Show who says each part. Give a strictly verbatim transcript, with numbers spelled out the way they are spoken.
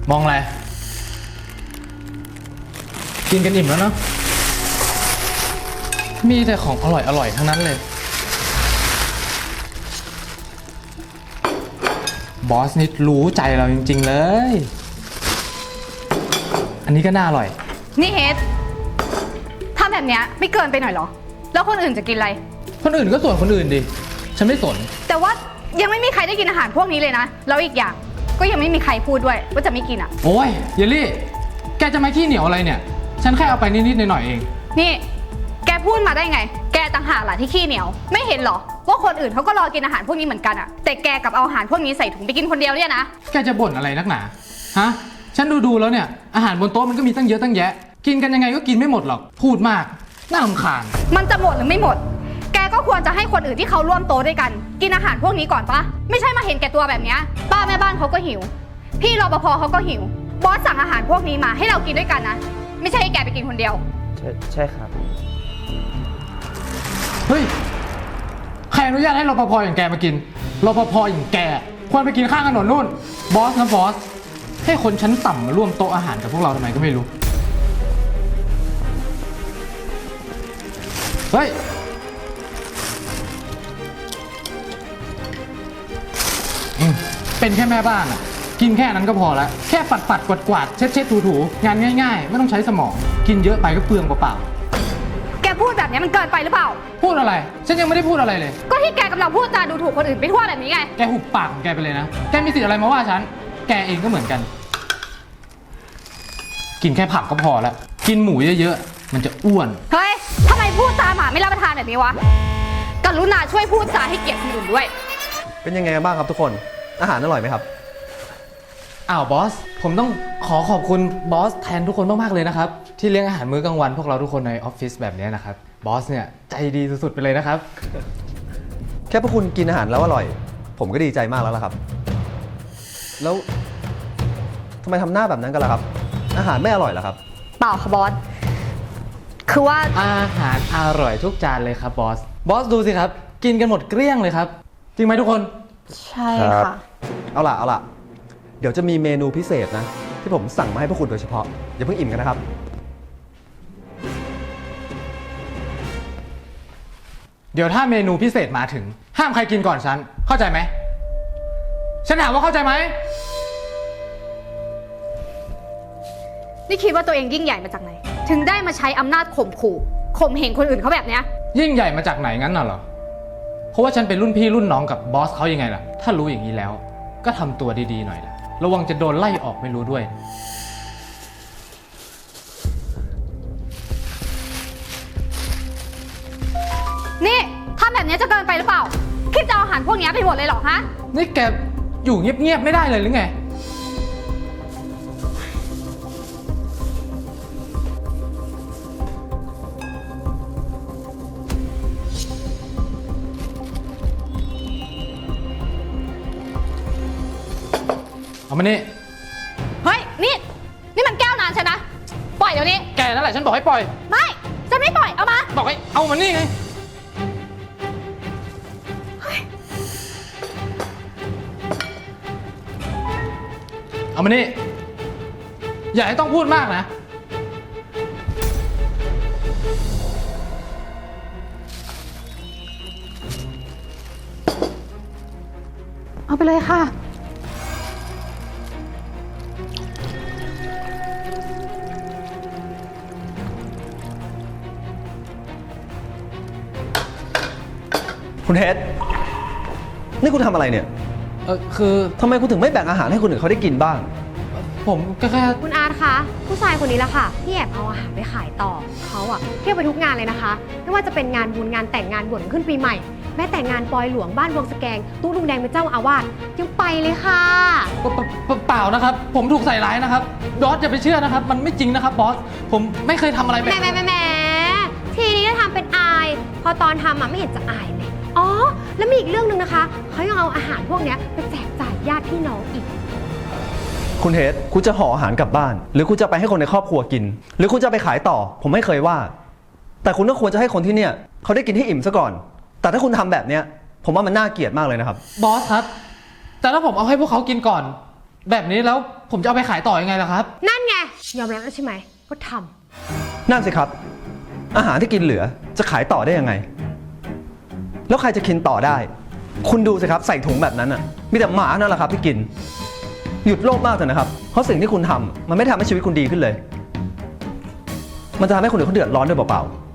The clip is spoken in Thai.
Speaker 1: มองอะไรกินกันอิ่มแล้วเนาะมีแต่ของอร่อยอร่อยทั้งนั้นเลยบอสนี่รู้ใจเราจริงๆเลยอันนี้ก็น่าอร่อย
Speaker 2: นี่เฮดทำแบบเนี้ยไม่เกินไปหน่อยเหรอแล้วคนอื่นจะกินอะไร
Speaker 1: คนอื่นก็ส่วนคนอื่นดิฉันไม่สน
Speaker 2: แต่ว่ายังไม่มีใครได้กินอาหารพวกนี้เลยนะแล้วอีกอย่างก็ยังไม่มีใครพูดด้วยว่าจะไม่กินอ่ะ
Speaker 1: โอ้ยเยลลี่แกจะมาขี้เหนียวอะไรเนี่ยฉันแค่เอาไปนิดๆหน่อยๆเอง
Speaker 2: นี่แกพูดมาได้ไงแกต่างหากล่ะที่ขี้เหนียวไม่เห็นหรอว่าคนอื่นเขาก็รอกินอาหารพวกนี้เหมือนกันอ่ะแต่แกกับเอาอาหารพวกนี้ใส่ถุงไปกินคนเดียวเนี่ยนะ
Speaker 1: แกจะบ่นอะไรนักหนาฮะฉันดูๆแล้วเนี่ยอาหารบนโต๊ะมันก็มีตั้งเยอะตั้งแยะกินกันยังไงก็กินไม่หมดหรอกพูดมากน่ารำคาญ
Speaker 2: มันจะหมดหรือไม่หมดแกก็ควรจะให้คนอื่นที่เขาร่วมโต๊ะด้วยกันกินอาหารพวกนี้ก่อนปะไม่ใช่มาเห็นแก่ตัวแบบนี้ป้าแม่บ้านเขาก็หิวพี่รปภเขาก็หิวบอสสั่งอาหารพวกนี้มาให้เรากินด้วยกันนะไม่ใช่ให้แกไปกินคนเดียว
Speaker 3: ใช่ใช่ครับ
Speaker 1: เฮ้ยใครอนุญาตให้รปภอย่างแกมากินรปภอย่างแกควรไปกินข้างถนนนู่นบอสนะบอสให้คนชั้นต่ำมาร่วมโต๊ะอาหารกับพวกเราทำไมก็ไม่รู้เฮ้ยเป็นแค่แม่บ้านอ่ะกินแค่นั้นก็พอแล้วแค่ปัดปัดกวาดกวาดเช็ดเช็ดถูถูงานง่ายๆไม่ต้องใช้สมองกินเยอะไปก็เปลืองเปล่า
Speaker 2: แกพูดแบบนี้มันเกินไปหรือเปล่า
Speaker 1: พูดอะไรฉันยังไม่ได้พูดอะไรเลย
Speaker 2: ก็ที่แกกำลังพูดจาดูถูกคนอื่นไปทั่วแบบนี้ไง
Speaker 1: แกหุบปากของแกไปเลยนะแกมีสิทธิ์อะไรมาว่าฉันแกเองก็เหมือนกันกินแค่ผักก็พอแล้วกินหมูเยอะๆมันจะอ้วน
Speaker 2: เฮ้ยทำไมพูดจาหมาไม่รับประทานแบบนี้วะกรุณาช่วยพูดจาให้เกียรติคนอื่นด้วย
Speaker 3: เป็นยังไงกันบ้างครับทุกคนอาหารอร่อยไหมครับ
Speaker 1: อ้าวบอสผมต้องขอขอบคุณบอสแทนทุกคนมากๆเลยนะครับที่เลี้ยงอาหารมื้อกลางวันพวกเราทุกคนในออฟฟิศแบบนี้นะครับบอสเนี่ยใจดีสุดๆไปเลยนะครับ
Speaker 3: แค่พวกคุณกินอาหารแล้วอร่อยผมก็ดีใจมากแล้วล่ะครับแล้วทำไมทำหน้าแบบนั้นกันล่ะครับอาหารไม่อร่อยเหรอครับ
Speaker 2: เปล่าค่ะบอสคือว่า
Speaker 1: อาหารอร่อยทุกจานเลยครับบอสบอสดูสิครับกินกันหมดเกลี้ยงเลยครับจริงไหมทุกคน
Speaker 2: ใช่ค่ะ
Speaker 3: เอาล่ะเอาล่ะเดี๋ยวจะมีเมนูพิเศษนะที่ผมสั่งมาให้พวกคุณโดยเฉพาะอย่าเพิ่งอิ่มกันนะครับ
Speaker 1: เดี๋ยวถ้าเมนูพิเศษมาถึงห้ามใครกินก่อนฉันเข้าใจไหมฉันถามว่าเข้าใจไหม
Speaker 2: นี่คิดว่าตัวเองยิ่งใหญ่มาจากไหนถึงได้มาใช้อำนาจข่มขู่ข่มเหงคนอื่นเขาแบบเนี้ย
Speaker 1: ยิ่งใหญ่มาจากไหนงั้นน่ะเหรอเพราะว่าฉันเป็นรุ่นพี่รุ่นน้องกับบอสเขายังไงล่ะถ้ารู้อย่างนี้แล้วก็ทำตัวดีๆหน่อยล่ะระวังจะโดนไล่ออกไม่รู้ด้วย
Speaker 2: นี่ทำแบบนี้จะเกินไปหรือเปล่าคิดจะเอาอาหารพวกนี้ไปหมดเลยเหรอฮะ
Speaker 1: นี่แกอยู่เงียบๆไม่ได้เลยหรือไงเอามานี่
Speaker 2: เฮ้ยนี่นี่มันแก้วนานใช่นะปล่อยเดี๋ยวนี้
Speaker 1: แกนั่นแหละฉันบอกให้ปล่อย
Speaker 2: ไม่ฉันไม่ปล่อยเอามา
Speaker 1: บอกให้เอามานี่ไงเอามานี่อย่าให้ต้องพูดมากนะ
Speaker 2: เอาไปเลยค่ะ
Speaker 3: คุณเฮดนี่คุณทำอะไรเนี่ย
Speaker 1: เออคือ
Speaker 3: ทำไมคุณถึงไม่แบ่งอาหารให้คนอื่นเขาได้กินบ้าง
Speaker 1: ผมก็แค่
Speaker 4: คุณอาร์ตคะผู้ชายคนนี้แหละค่ะที่แอบเอาอาหารไปขายต่อเขาอะเที่ยวไปทุกงานเลยนะคะไม่ว่าจะเป็นงานบุญงานแต่งงานบวชขึ้นปีใหม่แม้แต่งานปอยหลวงบ้านวงสแกงตู้ลุงแดงเป็นเจ้าอาวาสยังไปเลยค่ะ
Speaker 1: เปล่านะครับผมถูกใส่ร้ายนะครับบอสอย่าไปเชื่อนะครับมันไม่จริงนะครับบอสผมไม่เคยทำอะไรแบบ
Speaker 4: แหมแหมแหมทีนี้ก็ทำเป็นอายพอตอนทำอะไม่เห็นจะอายเลยอ๋อแล้วมีอีกเรื่องหนึ่งนะคะเขายังเอาอาหารพวกนี้ไปแจกจ่ายญาติพี่น้องอีก
Speaker 3: คุณเฮดคุณจะห่ออาหารกลับบ้านหรือคุณจะไปให้คนในครอบครัวกินหรือคุณจะไปขายต่อผมไม่เคยว่าแต่คุณก็ควรจะให้คนที่เนี่ยเขาได้กินให้อิ่มซะก่อนแต่ถ้าคุณทำแบบเนี้ยผมว่ามันน่าเกลียดมากเลยนะครับ
Speaker 1: บอสครับแต่ถ้าผมเอาให้พวกเขากินก่อนแบบนี้แล้วผมจะเอาไปขายต่อยังไงล่ะครับ
Speaker 4: นั่นไง ยอมรับแล้วใช่ไหมก็ทำ
Speaker 3: นั่นสิครับ อาหารที่กินเหลือจะขายต่อได้ยังไง แล้วใครจะกินต่อได้ คุณดูสิครับใส่ถุงแบบนั้นอ่ะ มีแต่หมานั่นแหละครับที่กิน หยุดโลภมากเถอะนะครับ เพราะสิ่งที่คุณทำมันไม่ทำให้ชีวิตคุณดีขึ้นเลย มันจะทำให้คนอื่นเขาเดือดร้อนด้วยเปล่าๆ